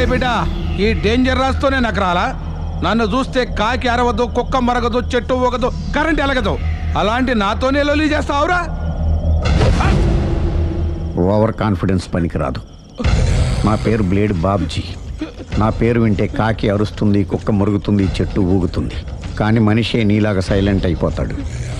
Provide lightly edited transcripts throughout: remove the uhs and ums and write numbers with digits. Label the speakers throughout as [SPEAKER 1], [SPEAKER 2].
[SPEAKER 1] బిడ్డ ఈ డేంజర్ రాస్తూనే నాకు రాలా? నన్ను చూస్తే కాకి అరవదు, కుక్క మరగదు, చెట్టు ఊగదు, కరెంట్ ఎలగదు. అలాంటి నాతోనే లొలి చేస్తావురా?
[SPEAKER 2] ఓవర్ కాన్ఫిడెన్స్ పనికిరాదు. నా పేరు బ్లేడ్ బాబ్జీ. నా పేరు వింటే కాకి అరుస్తుంది, కుక్క మురుగుతుంది, చెట్టు ఊగుతుంది. కానీ మనిషే నీలాగా సైలెంట్ అయిపోతాడు.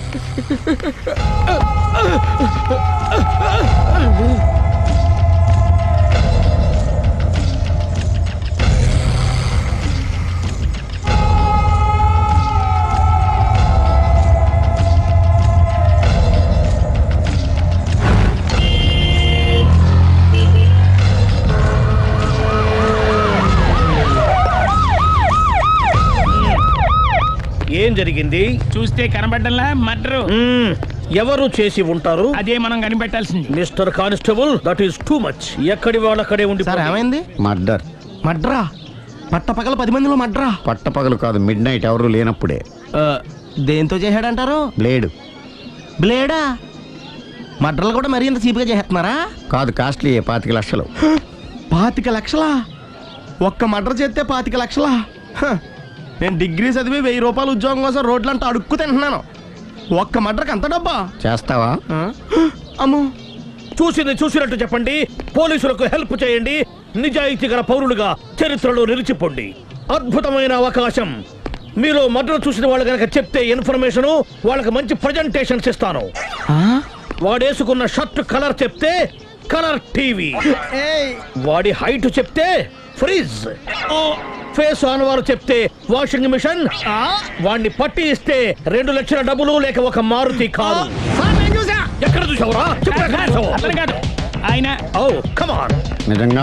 [SPEAKER 3] ఏం జరిగింది?
[SPEAKER 4] చూస్తే కనబడ్డంలా మర్డరు.
[SPEAKER 3] ఎవరు చేసి ఉంటారు?
[SPEAKER 4] అదే మనం కనిపెట్టాల్సింది.
[SPEAKER 3] Mister constable, that is too much. ఎక్కడి వాళ్ళక్కడే ఉండి.
[SPEAKER 5] సార్ ఏమైంది?
[SPEAKER 2] మర్డర్.
[SPEAKER 5] మడ్రా? పట్టపగల 10 మందిలో మడ్రా?
[SPEAKER 2] పట్టపగలు కాదు, మిడ్ నైట్ ఎవరు లేనప్పుడే.
[SPEAKER 5] దేంతో చేశాడంటారు?
[SPEAKER 2] బ్లేడ్.
[SPEAKER 5] బ్లేడా? మడ్రలు కూడా మరీ ఇంత చీప్గా చేస్తున్నారా?
[SPEAKER 2] కాదు, కాస్ట్లీ 25 లక్షలు.
[SPEAKER 5] 25 లక్షలా? ఒక్క మడ్ర చేస్తే 25 లక్షలా? నేను డిగ్రీ చదివి 1000 రూపాయలు ఉద్యోగం కోసం రోడ్లంతా అడుక్కు తింటున్నాను. ఒక్క మడ్రకు అంత డబ్బా?
[SPEAKER 2] చేస్తావా?
[SPEAKER 5] అమ్మో.
[SPEAKER 3] చూసినట్టు చెప్పండి. పోలీసులకు హెల్ప్ చేయండి. నిజాయితీ గల పౌరులుగా చరిత్రలో నిలిచిపోండి. అద్భుతమైన అవకాశం. మీరు మర్డర్ చూసిన వాళ్ళు కనుక చెప్తే ఇన్ఫర్మేషన్, వాళ్ళకి మంచి ప్రజెంటేషన్స్ ఇస్తాను. వాడేసుకున్న షర్ట్ కలర్ చెప్తే కలర్ టీవీ, వాడి హైట్ చెప్తే ఫ్రిజ్, ఫేస్ ఆన్ వారు చెప్తే వాషింగ్ మిషన్, వాడిని పట్టి ఇస్తే 2 లక్షల డబ్బులు లేక ఒక మారుతి కారు. ఎక్కడ చూసావురా?
[SPEAKER 4] కాదు ఆయన.
[SPEAKER 3] Oh come on.
[SPEAKER 2] నిజంగా?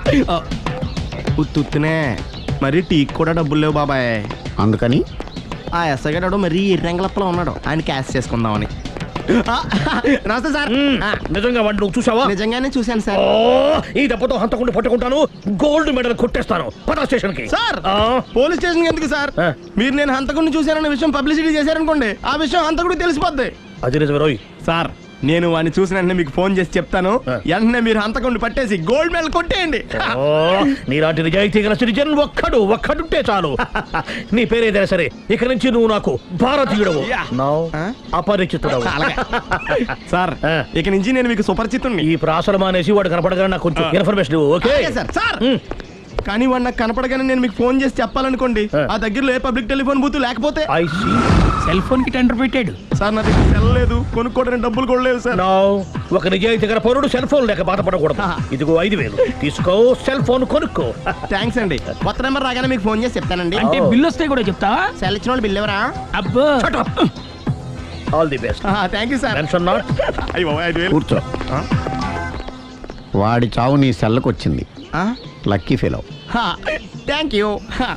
[SPEAKER 5] ఉత్తునే మరి టీకి కూడా డబ్బులు లేవు బాబాయ్.
[SPEAKER 2] అందుకని
[SPEAKER 5] ఆ ఎస్ఐ గారు మరీ ఎర్రంగలప్పలో ఉన్నాడు. ఆయన క్యాష్ చేసుకుందామని. నమస్తే సార్.
[SPEAKER 3] నిజంగా వాడిని నువ్వు చూసావా?
[SPEAKER 5] నిజంగానే చూశాను సార్.
[SPEAKER 3] ఈ దెబ్బతో హంతకుండా పట్టుకుంటాను, గోల్డ్ మెడల్ కొట్టేస్తాను. పద స్టేషన్ కి.
[SPEAKER 5] సార్ పోలీస్ స్టేషన్ ఎందుకు సార్? మీరు నేను హంతకుడిని చూశానన్న విషయం పబ్లిసిటీ చేశారనుకోండి, ఆ విషయం హంతకుడికి తెలిసిపోద్ది.
[SPEAKER 3] అది నిజమే రోయ్.
[SPEAKER 5] సార్ నేను వాడిని చూసిన వెంటనే మీకు ఫోన్ చేసి చెప్తాను. వెంటనే మీరు హంతకుడిని పట్టేసి గోల్డ్ మెడల్ కొట్టేయండి.
[SPEAKER 3] నీలాంటి నిజాయితీ గల సిటిజన్ ఒక్కడుంటే చాలు. నీ పేరేదైనా సరే, ఇక నుంచి నువ్వు నాకు భారతీయుడవు, అపరిచితుడవు.
[SPEAKER 5] సార్ ఇక నుంచి నేను మీకు సుపరిచితుడిని.
[SPEAKER 3] ఈ ప్రాసలు మానేసి వాడు కనపడగానే నాకు కొంచెం ఇన్ఫర్మేషన్. Okay
[SPEAKER 5] sir. సార్ కానీ వాడు నాకు కనపడగానే నేను మీకు ఫోన్ చేసి చెప్పాలనుకోండి, ఆ దగ్గరలో ఏ పబ్లిక్ టెలిఫోన్ బూత్ లేకపోతే.
[SPEAKER 4] సెల్ ఫోన్ కి టెండర్ పెట్టాడు
[SPEAKER 5] సార్. నా దగ్గర సెల్ లేదు, కొనుక్కోవడానికి డబ్బులు కూడా లేవు సార్.
[SPEAKER 3] ఒక నిజాయితీ గల పౌరుడు సెల్ ఫోన్ లేక బాధపడకూడదు. ఇదిగో 5000 తీసుకో, సెల్ ఫోన్ కొనుక్కో.
[SPEAKER 5] థ్యాంక్స్ అండి. కొత్త నెంబర్ రాగానే మీకు ఫోన్ చేసి చెప్తానండి.
[SPEAKER 4] అంటే బిల్ వస్తే కూడా చెప్తావా?
[SPEAKER 5] సెల్ ఇచ్చిన వాళ్ళు బిల్ ఎవరా?
[SPEAKER 4] అబ్బో.
[SPEAKER 3] All the best.
[SPEAKER 5] Thank you sir.
[SPEAKER 3] Tension not.
[SPEAKER 2] కూర్చో. వాడి చావు నీ సెల్లకు వచ్చింది. Lucky fellow.
[SPEAKER 5] Thank you.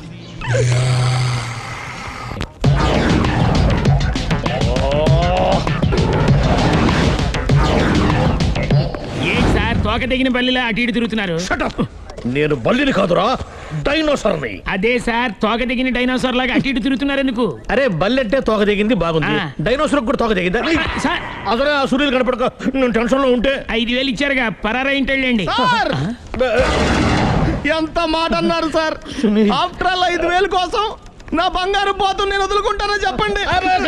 [SPEAKER 4] ఏం సార్ తోక తెగిన బల్లిలా అటు ఇటు తిరుగుతున్నారు?
[SPEAKER 3] నేను బల్లిని కాదురా, డైనోసార్ని.
[SPEAKER 4] అదే సార్, తోక తెగిన డైనోసార్ లాగా అటు ఇటు తిరుగుతున్నారు ఎందుకు?
[SPEAKER 3] అరే బల్లెట్టే తోక తెగింది బాగుంది, డైనోసార్ కూడా తోక తెగిందా?
[SPEAKER 4] సార్
[SPEAKER 3] అదరే ఆ సూర్యులు కనపడక నేను టెన్షన్ లో ఉంటే
[SPEAKER 4] 5000 ఇచ్చారుగా, పరారా ఇంటండి.
[SPEAKER 5] ఎంత మాట అన్నారు సార్? ఆఫ్టర్ ఆల్ 5000 కోసం నా బంగారు పోతు నేను వదులుకుంటానని చెప్పండి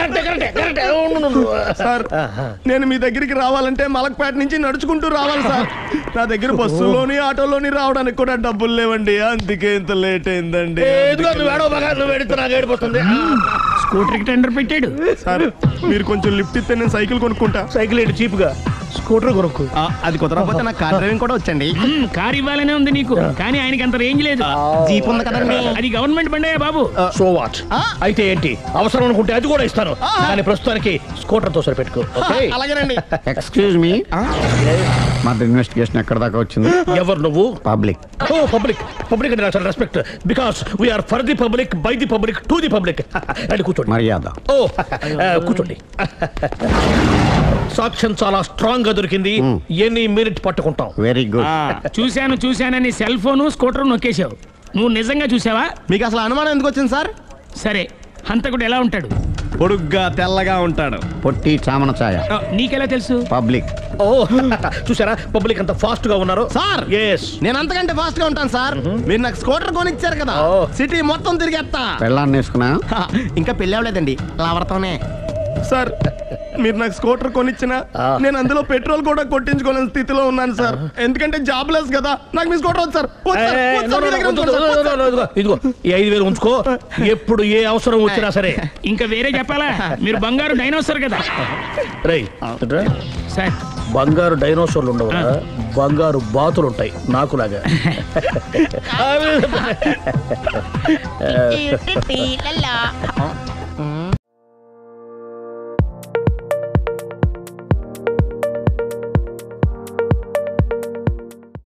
[SPEAKER 5] సార్. నేను మీ దగ్గరికి రావాలంటే మలక్పేట నుంచి నడుచుకుంటూ రావాలి సార్. నా దగ్గర బస్సులోని ఆటోలోని రావడానికి కూడా డబ్బులు లేవండి, అందుకే ఇంత లేట్ అయిందండి.
[SPEAKER 4] స్కూటర్ కి టెండర్ పెట్టాడు
[SPEAKER 5] సార్. మీరు కొంచెం లిఫ్ట్ ఇస్తే నేను సైకిల్ కొనుక్కుంటా.
[SPEAKER 3] సైకిల్ ఏంటి చీప్ గా, స్కూటర్ కొనుక్కు.
[SPEAKER 5] అది కుదరకపోతే నాకు కార్ డ్రైవింగ్ కూడా వచ్చండి.
[SPEAKER 4] కార్ ఇవ్వాలనే ఉంది నీకు, కానీ ఆయనకి అంత రేంజ్ లేదు.
[SPEAKER 5] జీప్ ఉంది కదండి.
[SPEAKER 4] అది గవర్నమెంట్ బండే బాబు.
[SPEAKER 3] So what? అయితే ఏంటి, అవసరం అనుకుంటే అది కూడా ఇస్తాను, కానీ ప్రస్తుతానికి స్కూటర్ తో సరిపెట్టుకో.
[SPEAKER 5] అలాగేనండి.
[SPEAKER 2] ఎక్స్క్యూజ్ మీ, మా ఇన్వెస్టిగేషన్ ఎక్కడ దాకా వచ్చింది?
[SPEAKER 3] ఎవరు నువ్వు?
[SPEAKER 2] పబ్లిక్.
[SPEAKER 3] ఓ పబ్లిక్. పబ్లిక్ అంటే చాలా respect, because we are for the public, by the public, to the public. అని కూర్చోండి.
[SPEAKER 2] మర్యాద.
[SPEAKER 3] ఓ కూర్చోండి. సాక్ష్యం చాలా స్ట్రాంగ్ గా దొరికింది, ఎన్ని మినిట్ పట్టుకుంటాం.
[SPEAKER 2] Very good.
[SPEAKER 4] చూశానని సెల్ ఫోను స్కూటర్ నొక్కేశావు. నువ్వు నిజంగా చూసావా?
[SPEAKER 5] మీకు అసలు అనుమానం ఎందుకు వచ్చింది సార్?
[SPEAKER 4] సరే, హంతకుడు ఎలా ఉంటాడు?
[SPEAKER 5] పొడుగ్గా తెల్లగా ఉంటాడు.
[SPEAKER 2] పొట్టి చామన ఛాయ.
[SPEAKER 4] నీకెలా తెలుసు?
[SPEAKER 2] పబ్లిక్.
[SPEAKER 3] ఓ చూసారా పబ్లిక్ అంత ఫాస్ట్ గా ఉన్నారు.
[SPEAKER 5] సార్
[SPEAKER 3] ఎస్
[SPEAKER 5] నేను అంతకంటే ఫాస్ట్ గా ఉంటాను సార్. మీరు నాకు స్కూటర్ కొనిచ్చారు కదా, సిటీ మొత్తం తిరిగేస్తా.
[SPEAKER 2] పెళ్ళాన్ని వేసుకున్నా
[SPEAKER 5] ఇంకా పెళ్ళి అవ్వలేదండి, లావర్తోనే. సార్ మీరు నాకు స్కూటర్ కొనిచ్చిన నేను అందులో పెట్రోల్ కూడా కొట్టించుకోలేని స్థితిలో ఉన్నాను సార్. ఎందుకంటే జాబ్ లెస్ కదా. నాకు మీ స్కూటర్ వద్దు సార్. వద్దు సార్. వద్దు సార్. మీ దగ్గర ఉంచుకోండి సార్.
[SPEAKER 3] ఇదిగో ఈ 5,000 ఉంచుకో. ఎప్పుడు ఏ అవసరం వచ్చినా సరే.
[SPEAKER 4] ఇంకా వేరే చెప్పాలా? మీరు బంగారు డైనోసర్ కదా
[SPEAKER 3] రేయ్
[SPEAKER 4] సార్.
[SPEAKER 3] బంగారు డైనోసార్లు ఉండవు, బంగారు బాతులు ఉంటాయి నాకులాగా.
[SPEAKER 6] Tea, tea, లల్లా.